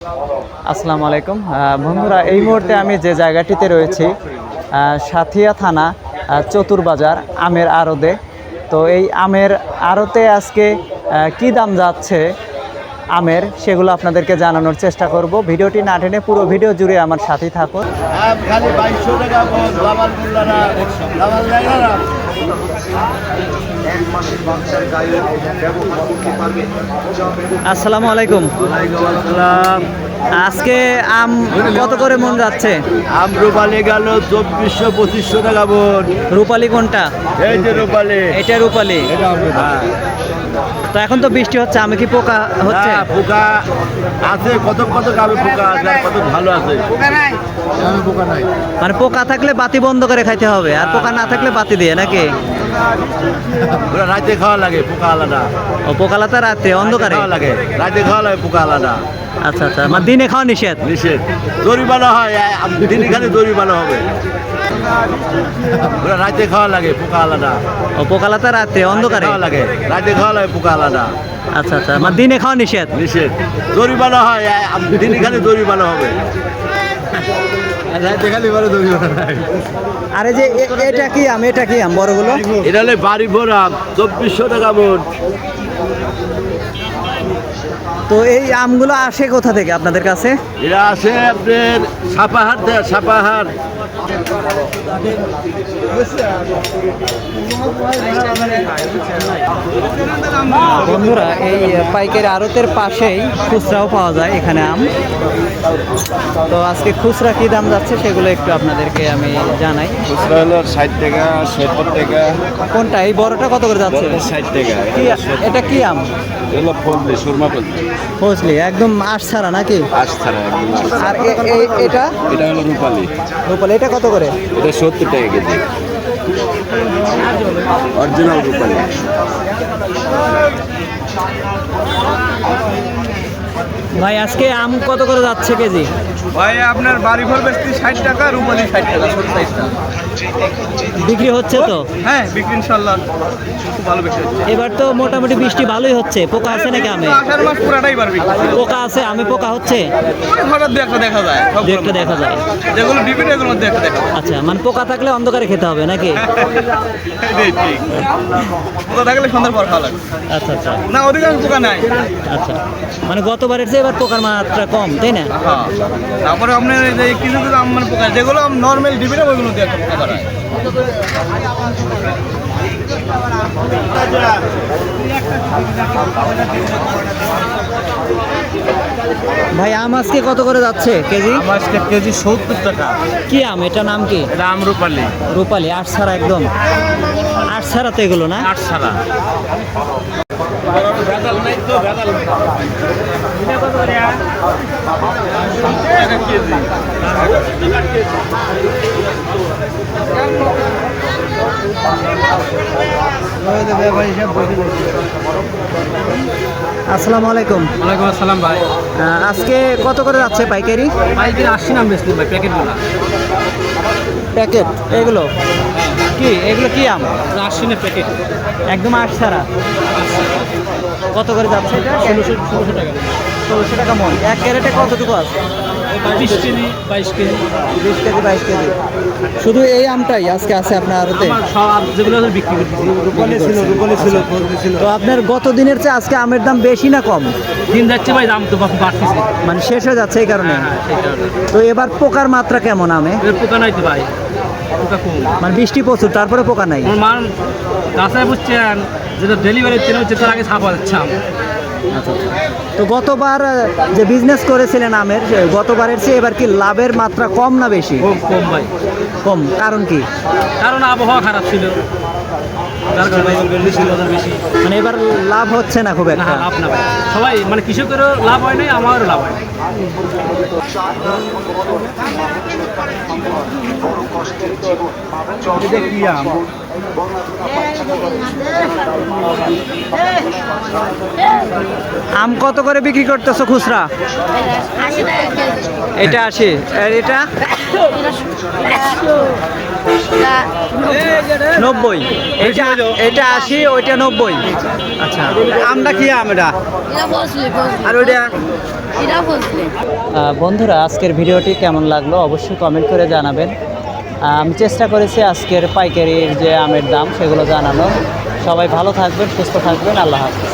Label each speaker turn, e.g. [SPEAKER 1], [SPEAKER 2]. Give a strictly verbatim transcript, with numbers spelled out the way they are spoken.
[SPEAKER 1] আসসালামু আলাইকুম বন্ধুরা, এই মুহূর্তে আমি যে জায়গাটিতে রয়েছি সাথিয়া থানা চতুরবাজার আমের আড়তে। তো এই আমের আড়তে আজকে কি দাম যাচ্ছে আমের, সেগুলো আপনাদেরকে জানানোর চেষ্টা করব। ভিডিওটি না টেনে পুরো ভিডিও জুড়ে আমার সাথেই থাকুন। আসসালামু আলাইকুম। আজকে আম কত করে মন যাচ্ছে?
[SPEAKER 2] আম রূপালি গেল চব্বিশশো পঁচিশশো টাকা মন।
[SPEAKER 1] রূপালি কোনটা?
[SPEAKER 2] এই যে রূপালি।
[SPEAKER 1] এটা রূপালি। তো এখন তো বৃষ্টি হচ্ছে, আমি কি পোকা হচ্ছে?
[SPEAKER 2] পোকা আছে, কত কত গাবে পোকা আছে, আর কত ভালো আছে। পোকা নাই, পোকা নাই।
[SPEAKER 1] মানে পোকা থাকলে বাতি বন্ধ করে খাইতে হবে, আর পোকা না থাকলে বাতি দিয়ে নাকি?
[SPEAKER 2] ওরা রাতে খাওয়া লাগে, পোকা আলাদা।
[SPEAKER 1] ও পোকা আলাদা রাতে অন্ধকারে
[SPEAKER 2] খাওয়া লাগে, রাতে খাওয়া লাগে পোকা আলাদা।
[SPEAKER 1] আচ্ছা আচ্ছা, মানে দিনে খাওয়া নিষেধ?
[SPEAKER 2] নিষেধ, জরিমানা হয়, দিনে খালি জরিমানা হবে। ওরা রাতে খাওয়া লাগে, পোকা আলাদা।
[SPEAKER 1] ও পোকা আলাদা রাতে অন্ধকারে
[SPEAKER 2] খাওয়া লাগে, রাতে খাওয়া লাগে পোকা আলাদা।
[SPEAKER 1] আচ্ছা আচ্ছা, মানে দিনে খাওয়া নিষেধ?
[SPEAKER 2] নিষেধ, জরিমানা হয়, দিনে খালি জরিমানা হবে।
[SPEAKER 1] আরে যে এটা কি আম, এটা কি আম বড়গুলো?
[SPEAKER 2] এটা হলে বাড়ি ভরা চব্বিশশো টাকা মন।
[SPEAKER 1] তো এই আমগুলো আসে কোথা থেকে আপনাদের কাছে?
[SPEAKER 2] এরা আসে আপনার সাপাহার থেকে, সাপাহার।
[SPEAKER 1] বন্ধুরা, এই পাইকারি আড়তের পাশেই খুচরাও পাওয়া যায় এখানে আম। তো আজকে খুচরা কি দাম যাচ্ছে সেগুলো একটু আপনাদেরকে আমি জানাই।
[SPEAKER 2] খুচরা হলো ষাট টাকা, সত্তর টাকা।
[SPEAKER 1] কোনটা? এই বড়টা কত করে যাচ্ছে?
[SPEAKER 2] ষাট টাকা।
[SPEAKER 1] কি এটা কি আম?
[SPEAKER 2] এগুলো ফজলি, সুরমা ফজলি।
[SPEAKER 1] ফজলি একদম আঁশ ছাড়া নাকি?
[SPEAKER 2] আশ ছাড়া একদম।
[SPEAKER 1] আর এটা?
[SPEAKER 2] এটা হলো রূপালি।
[SPEAKER 1] রূপালি এটা কত করে?
[SPEAKER 2] এটা সত্তর টাকা কেজি, অরিজিনাল রূপালি।
[SPEAKER 1] ভাই আজকে আম কত করে যাচ্ছে কেজি?
[SPEAKER 3] ভাই আপনার বাড়ি ঘর বেশি ষাট টাকা, রুমালি ষাট টাকা, সত্তর।
[SPEAKER 1] বিক্রি হচ্ছে তো?
[SPEAKER 3] হ্যাঁ, বিক্রি ইনশাল্লাহ খুব ভালো বিক্রি হচ্ছে।
[SPEAKER 1] এবার তো মোটামুটি বৃষ্টি ভালোই হচ্ছে। পোকা আছে নাকি আমে?
[SPEAKER 3] আষাঢ় মাস পুরাটাই পারবি।
[SPEAKER 1] পোকা আছে, আমি পোকা হচ্ছে?
[SPEAKER 3] হঠাৎ দু একটা দেখা যায়,
[SPEAKER 1] দু একটা দেখা যায়,
[SPEAKER 3] যেগুলো ডিবিট এগুলোর মধ্যে একটা দেখা যায়।
[SPEAKER 1] আচ্ছা, মানে পোকা থাকলে অন্ধকারে খেতে হবে নাকি?
[SPEAKER 3] ঠিক, পোকা থাকলে সন্ধ্যার পর খাওয়া লাগে।
[SPEAKER 1] আচ্ছা আচ্ছা,
[SPEAKER 3] না অধিকাংশ পোকা নাই।
[SPEAKER 1] আচ্ছা, মানে গতবারের চেয়ে এবার পোকার মাত্রা কম, তাই না?
[SPEAKER 3] হ্যাঁ, তারপরে আপনার এই যে কিছু কিছু আম মানে পোকা, যেগুলো নর্মাল ডিবিটা ওইগুলো দিয়ে একটা পোকা বাড়ায়।
[SPEAKER 1] ভাই আম আজকে কত করে যাচ্ছে কেজি?
[SPEAKER 3] আজকে কেজি সত্তর টাকা।
[SPEAKER 1] কি আম এটা, নাম কি?
[SPEAKER 3] আম রূপালি।
[SPEAKER 1] রূপালি আট ছাড়া, একদম আট ছাড়া তো এগুলো না?
[SPEAKER 3] আট ছাড়া। ভেজাল নাই তো, ভেজাল নাই।
[SPEAKER 1] আসসালামু আলাইকুম।
[SPEAKER 3] ওয়ালাইকুম আসসালাম ভাই।
[SPEAKER 1] আজকে কত করে যাচ্ছে পাইকারি?
[SPEAKER 3] পাইকারি আশি নাম বেশি ভাই, প্যাকেটগুলো।
[SPEAKER 1] প্যাকেট এগুলো কি? এগুলো কি আম?
[SPEAKER 3] আশি না প্যাকেট,
[SPEAKER 1] একদম আট ছাড়া। কত করে যাচ্ছে এটা?
[SPEAKER 3] ষোলোশো ষোলোশো টাকা।
[SPEAKER 1] ষোলোশো টাকা মন। এক ক্যারেটে কতটুকু আছে?
[SPEAKER 3] বিশ কেজি, বাইশ কেজি।
[SPEAKER 1] বিশ কেজি বাইশ কেজি। শুধু এই আমটাই আজকে আছে আপনার আড়তে?
[SPEAKER 3] আমার সব যেগুলো আছে বিক্রি করতেছি।
[SPEAKER 1] রূপালি ছিল, রূপালি ছিল, ফজলি ছিল। তো আপনার গত দিনের চেয়ে আজকে আমের দাম বেশি না কম?
[SPEAKER 3] দিন যাচ্ছে ভাই, দাম তো বাড়তেছে,
[SPEAKER 1] মানে শেষ হয়ে যাচ্ছে এই কারণে।
[SPEAKER 3] সেই কারণে।
[SPEAKER 1] তো এবার পোকার মাত্রা কেমন আমে?
[SPEAKER 3] এর পোকা নাই তো ভাই, পোকা কম।
[SPEAKER 1] মানে বৃষ্টি প্রচুর, তারপরে পোকা নাই?
[SPEAKER 3] আমার মান গাছায় বুঝছেন, যেটা ডেলিভারি ট্রেন হচ্ছে তার আগে ছাপা যাচ্ছে আম।
[SPEAKER 1] আচ্ছা, তো গতবার যে বিজনেস করেছিলেন আমের, গতবারের চেয়ে এবার কি লাভের মাত্রা কম না বেশি?
[SPEAKER 3] কম কম ভাই।
[SPEAKER 1] কম, কারণ কি?
[SPEAKER 3] কারণ আবহাওয়া খারাপ ছিল, যার কারণে বেশি বাজার বেশি।
[SPEAKER 1] মানে এবার লাভ হচ্ছে না খুব
[SPEAKER 3] না,
[SPEAKER 1] একটা?
[SPEAKER 3] লাভ না ভাই, সবাই মানে কৃষকেরও লাভ হয় নাই, আমারও লাভ হয় নাই।
[SPEAKER 1] আম কত করে বিক্রি করতেছো খুচরা? এটা আশি। আর এটা নব্বই, এটা এটা আশি, ওইটা নব্বই। আচ্ছা,
[SPEAKER 3] আমটা কি আম এটা আর ওইটা
[SPEAKER 1] আহ, বন্ধুরা আজকের ভিডিওটি কেমন লাগলো অবশ্যই কমেন্ট করে জানাবেন। আহ, আমি চেষ্টা করেছি আজকের পাইকারির যে আমের দাম সেগুলো জানানোর। সবাই ভালো থাকবেন, সুস্থ থাকবেন, আল্লাহ হাফেজ।